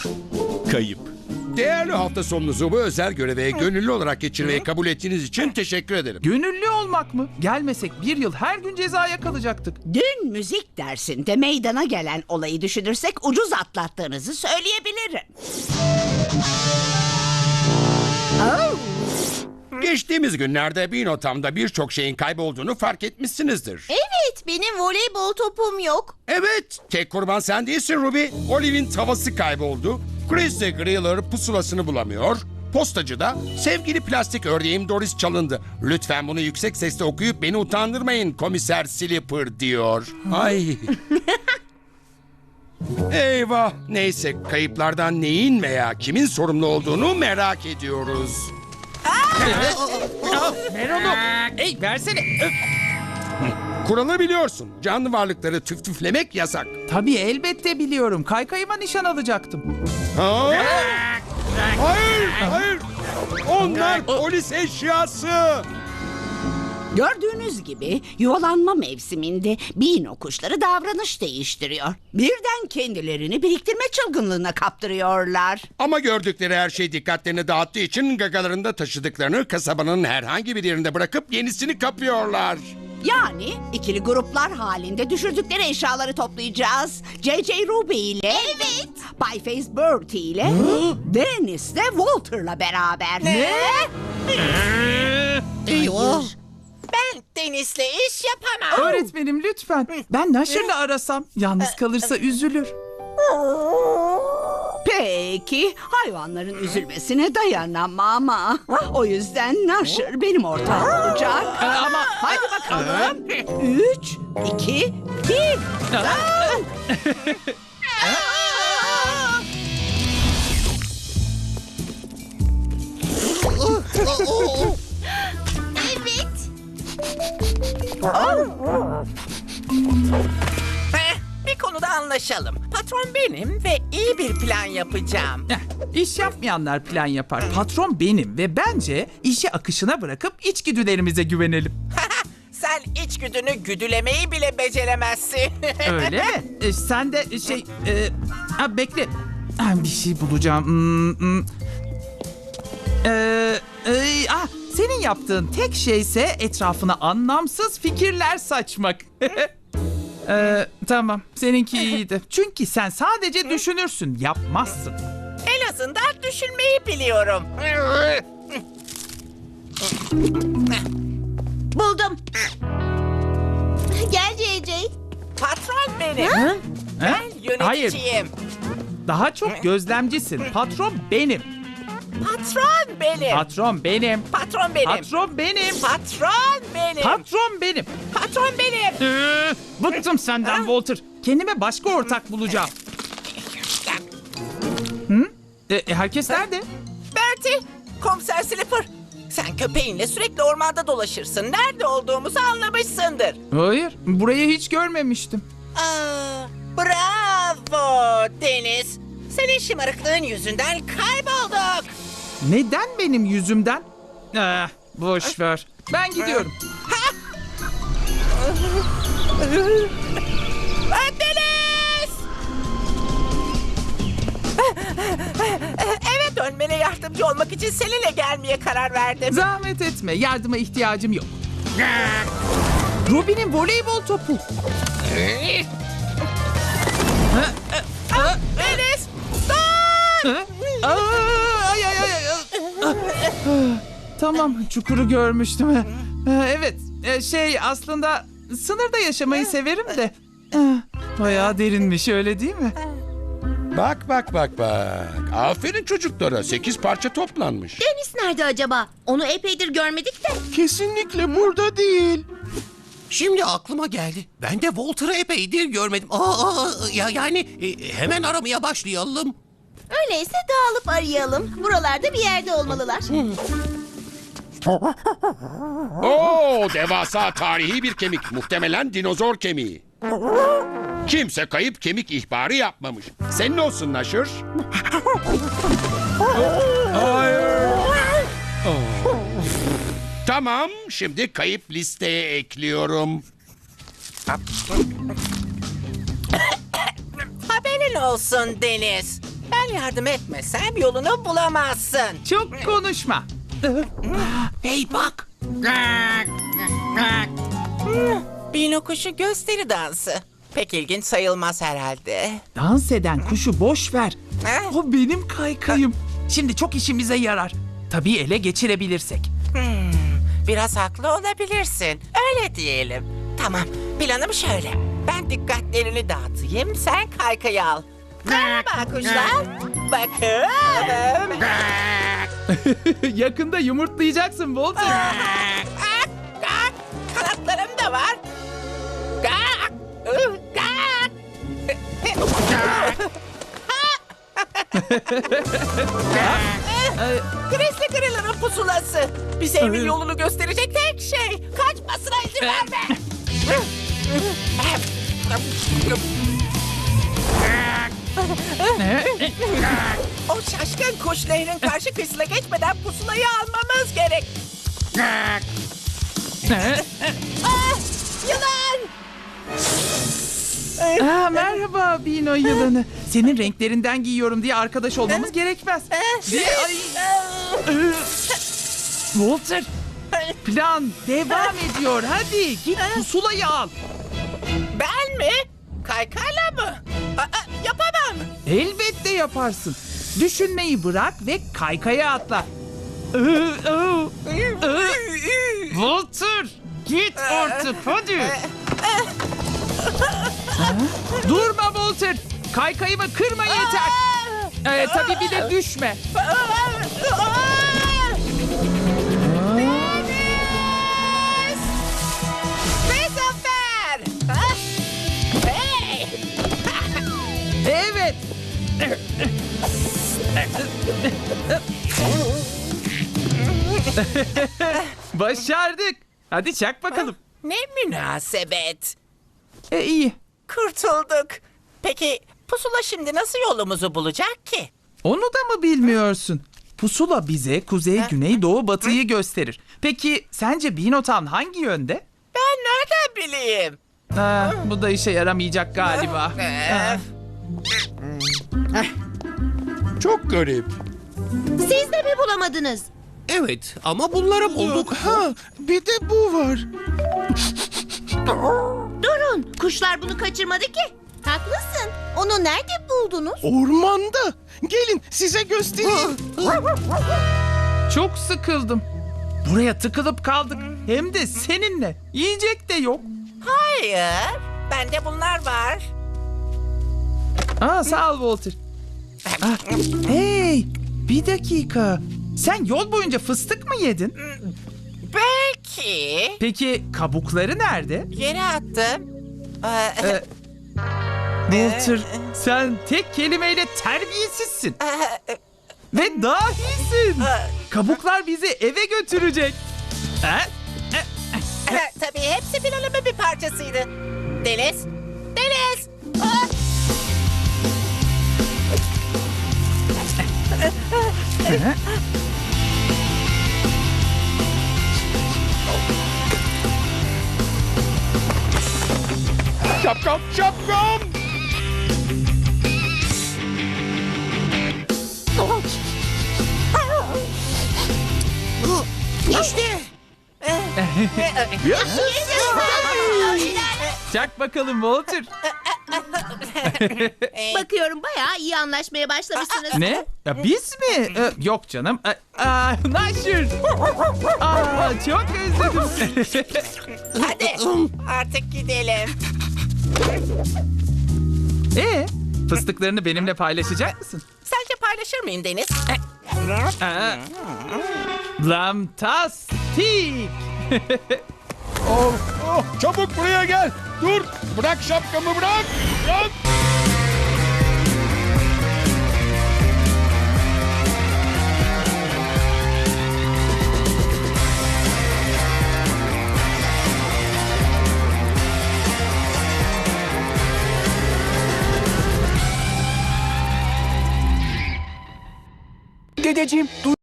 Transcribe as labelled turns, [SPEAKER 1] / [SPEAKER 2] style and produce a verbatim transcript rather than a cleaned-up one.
[SPEAKER 1] Kayıp. Değerli hafta sonunuzu bu özel göreve gönüllü olarak geçirmeyi kabul ettiğiniz için teşekkür ederim.
[SPEAKER 2] Gönüllü olmak mı? Gelmesek bir yıl her gün cezaya kalacaktık.
[SPEAKER 3] Dün müzik dersinde meydana gelen olayı düşünürsek ucuz atlattığınızı söyleyebilirim. Oh.
[SPEAKER 1] Geçtiğimiz günlerde Binotam'da birçok şeyin kaybolduğunu fark etmişsinizdir.
[SPEAKER 4] Evet, benim voleybol topum yok.
[SPEAKER 1] Evet, tek kurban sen değilsin Ruby. Olive'in tavası kayboldu. Chris de Griller pusulasını bulamıyor. Postacıda sevgili plastik ördeğim Doris çalındı. Lütfen bunu yüksek sesle okuyup beni utandırmayın komiser Slipper diyor. Ay. Eyvah. Neyse, kayıplardan neyin veya kimin sorumlu olduğunu merak ediyoruz.
[SPEAKER 2] Ver onu. Ey versene. Öf.
[SPEAKER 1] Kuralı biliyorsun. Canlı varlıkları tüftüflemek yasak.
[SPEAKER 2] Tabii elbette biliyorum. Kaykayıma nişan alacaktım.
[SPEAKER 1] Ha? Hayır, hayır. Onlar polis eşyası.
[SPEAKER 3] Gördüğünüz gibi yuvalanma mevsiminde Bino kuşları davranış değiştiriyor. Birden kendilerini biriktirme çılgınlığına kaptırıyorlar.
[SPEAKER 1] Ama gördükleri her şey dikkatlerini dağıttığı için gagalarında taşıdıklarını kasabanın herhangi bir yerinde bırakıp yenisini kapıyorlar.
[SPEAKER 3] Yani ikili gruplar halinde düşürdükleri eşyaları toplayacağız. J J Ruby ile...
[SPEAKER 4] Evet.
[SPEAKER 3] Pie Face Bertie ile... Dennis de Walter'la beraber.
[SPEAKER 4] Ne?
[SPEAKER 5] Eyvah.
[SPEAKER 4] Ben Deniz'le iş yapamam.
[SPEAKER 2] Öğretmenim lütfen. Ben Nasher'la arasam yalnız kalırsa üzülür.
[SPEAKER 3] Peki, hayvanların üzülmesine dayanamam ama... O yüzden Nasher benim ortağım olacak. Ama hadi bakalım. Üç, iki, bir.
[SPEAKER 4] Evet.
[SPEAKER 5] Heh, bir konuda anlaşalım. Patron benim ve iyi bir plan yapacağım.
[SPEAKER 2] Heh, İş yapmayanlar plan yapar. Patron benim ve bence işi akışına bırakıp içgüdülerimize güvenelim.
[SPEAKER 5] Sen içgüdünü güdülemeyi bile beceremezsin.
[SPEAKER 2] Öyle mi? E, sen de şey... E, ha, bekle. Ha, bir şey bulacağım. Hmm, hmm. E, e, ah, senin yaptığın tek şeyse etrafına anlamsız fikirler saçmak. E, tamam, seninki iyiydi. Çünkü sen sadece düşünürsün, yapmazsın.
[SPEAKER 5] En azından düşünmeyi biliyorum.
[SPEAKER 4] Buldum. Gel J J.
[SPEAKER 5] Patron benim.
[SPEAKER 2] Ha?
[SPEAKER 5] Ben
[SPEAKER 2] Hayır,
[SPEAKER 5] yöneticiyim.
[SPEAKER 2] daha çok gözlemcisin. Patron benim.
[SPEAKER 5] Patron benim.
[SPEAKER 2] Patron benim.
[SPEAKER 5] Patron benim.
[SPEAKER 2] Patron benim.
[SPEAKER 5] Patron benim.
[SPEAKER 2] Patron benim.
[SPEAKER 5] Patron benim.
[SPEAKER 2] Ee, bıktım senden Walter. Kendime başka ortak bulacağım. Hı? E, herkes nerede?
[SPEAKER 5] Bertie, komiser Slipper. Sen köpeğinle sürekli ormanda dolaşırsın. Nerede olduğumuzu anlamışsındır.
[SPEAKER 2] Hayır, burayı hiç görmemiştim.
[SPEAKER 5] Aa, bravo Deniz. Senin şımarıklığın yüzünden kaybolduk.
[SPEAKER 2] Neden benim yüzümden? Ah, boş ver. Ben gidiyorum.
[SPEAKER 5] Aa, Deniz! Eve dönmene yardımcı olmak için seninle gelmeye karar verdim.
[SPEAKER 2] Zahmet etme, yardıma ihtiyacım yok. Robin'in voleybol topu.
[SPEAKER 5] Deniz! Dur!
[SPEAKER 2] Ha? Aa, ay, ay, ay, ay. Ah, Tamam, çukuru görmüştüm. Ha, Evet, e, şey aslında sınırda yaşamayı severim de. Ah, Bayağı derinmiş, öyle değil mi?
[SPEAKER 1] Bak bak bak bak. Aferin çocuklara. Sekiz parça toplanmış.
[SPEAKER 4] Deniz nerede acaba? Onu epeydir görmedik de.
[SPEAKER 6] Kesinlikle burada değil. Şimdi aklıma geldi. Ben de Walter'ı epeydir görmedim. Aa, aa, ya yani e, hemen aramaya başlayalım.
[SPEAKER 4] Öyleyse dağılıp arayalım. Buralarda bir yerde olmalılar.
[SPEAKER 1] Oo, devasa tarihi bir kemik. Muhtemelen dinozor kemiği. Kimse kayıp kemik ihbarı yapmamış. Senin olsun Nasher. Hayır. Oh. Tamam, şimdi kayıp listeye ekliyorum.
[SPEAKER 5] Haberin olsun Deniz. Ben yardım etmesem yolunu bulamazsın.
[SPEAKER 2] Çok konuşma.
[SPEAKER 6] Hey bak.
[SPEAKER 5] Bino kuşu gösteri dansı. Pek ilginç sayılmaz herhalde.
[SPEAKER 2] Dans eden kuşu boş ver.
[SPEAKER 5] Eh?
[SPEAKER 2] O benim kaykayım. Şimdi çok işimize yarar. Tabii ele geçirebilirsek.
[SPEAKER 5] Biraz haklı olabilirsin. Öyle diyelim. Tamam, planım şöyle. Ben dikkatlerini dağıtayım, sen kaykayı al. Merhaba kuşlar. Bakın.
[SPEAKER 2] Yakında yumurtlayacaksın Walter.
[SPEAKER 5] Gak, gak. Kanatlarım da var. Gak, ıh, gak. Grizzly Griller'ın pusulası. Bize evin yolunu gösterecek tek şey. Kaçmasına izin verme. O şaşkın kuş nehrin karşı kıyısına geçmeden pusulayı almamız gerek. Ah, yılan!
[SPEAKER 2] Aa, merhaba Bino yılanı. Senin renklerinden giyiyorum diye arkadaş olmamız gerekmez. Diye, ay. Ee, Walter, plan devam ediyor. Hadi git pusulayı al.
[SPEAKER 5] Ben mi? Kaykayla mı? Aa, yapamam.
[SPEAKER 2] Elbette yaparsın. Düşünmeyi bırak ve kaykaya atla. Ee, ee, ee. Walter, git artık hadi. Ha? Durma Walter. Kaykayımı kırma yeter. Ee, tabii bir de düşme.
[SPEAKER 5] Deniz! Ve zafer! Ha? Hey!
[SPEAKER 2] Evet. Başardık. Hadi çak bakalım.
[SPEAKER 5] Ne münasebet.
[SPEAKER 2] E, iyi.
[SPEAKER 5] Kurtulduk. Peki pusula şimdi nasıl yolumuzu bulacak ki?
[SPEAKER 2] Onu da mı bilmiyorsun? Pusula bize kuzey, güney, doğu, batıyı gösterir. Peki sence Binotown hangi yönde?
[SPEAKER 5] Ben nereden bileyim?
[SPEAKER 2] Ha, bu da işe yaramayacak galiba. Ha.
[SPEAKER 1] Çok garip.
[SPEAKER 4] Siz de mi bulamadınız?
[SPEAKER 6] Evet ama bunları bulduk.
[SPEAKER 1] Ha, bir de bu var.
[SPEAKER 4] Durun, kuşlar bunu kaçırmadı ki. Haklısın. Onu nerede buldunuz?
[SPEAKER 1] Ormanda. Gelin size göstereyim.
[SPEAKER 2] Çok sıkıldım. Buraya tıkılıp kaldık. Hem de seninle. Yiyecek de yok.
[SPEAKER 5] Hayır. Bende bunlar var.
[SPEAKER 2] Aa, sağ ol Walter. Ah, hey, bir dakika. Sen yol boyunca fıstık mı yedin?
[SPEAKER 5] Belki.
[SPEAKER 2] Peki kabukları nerede?
[SPEAKER 5] Yere attım. Ee,
[SPEAKER 2] Ee, Walter, sen tek kelimeyle terbiyesizsin.
[SPEAKER 5] e,
[SPEAKER 2] Ve dahisin. Kabuklar bizi eve götürecek. Ha?
[SPEAKER 5] Tabii hepsi planımın bir parçasıydı. Deniz. Deniz. Aa!
[SPEAKER 1] Şapkam, şapkam.
[SPEAKER 6] İşte.
[SPEAKER 2] Çak bakalım Walter.
[SPEAKER 4] Bakıyorum bayağı iyi anlaşmaya başlamışsınız.
[SPEAKER 2] Ne? Ya biz mi? Ee, yok canım. Ee, aa, Naşır. Aa, çok özledim.
[SPEAKER 5] Hadi artık gidelim.
[SPEAKER 2] Ee, fıstıklarını benimle paylaşacak mısın?
[SPEAKER 5] Sence paylaşır mıyım Deniz?
[SPEAKER 2] Aa, Lamtastik.
[SPEAKER 1] Oh, oh, çabuk buraya gel. Dur. Bırak şapkamı bırak. Bırak.
[SPEAKER 7] Dedeciğim,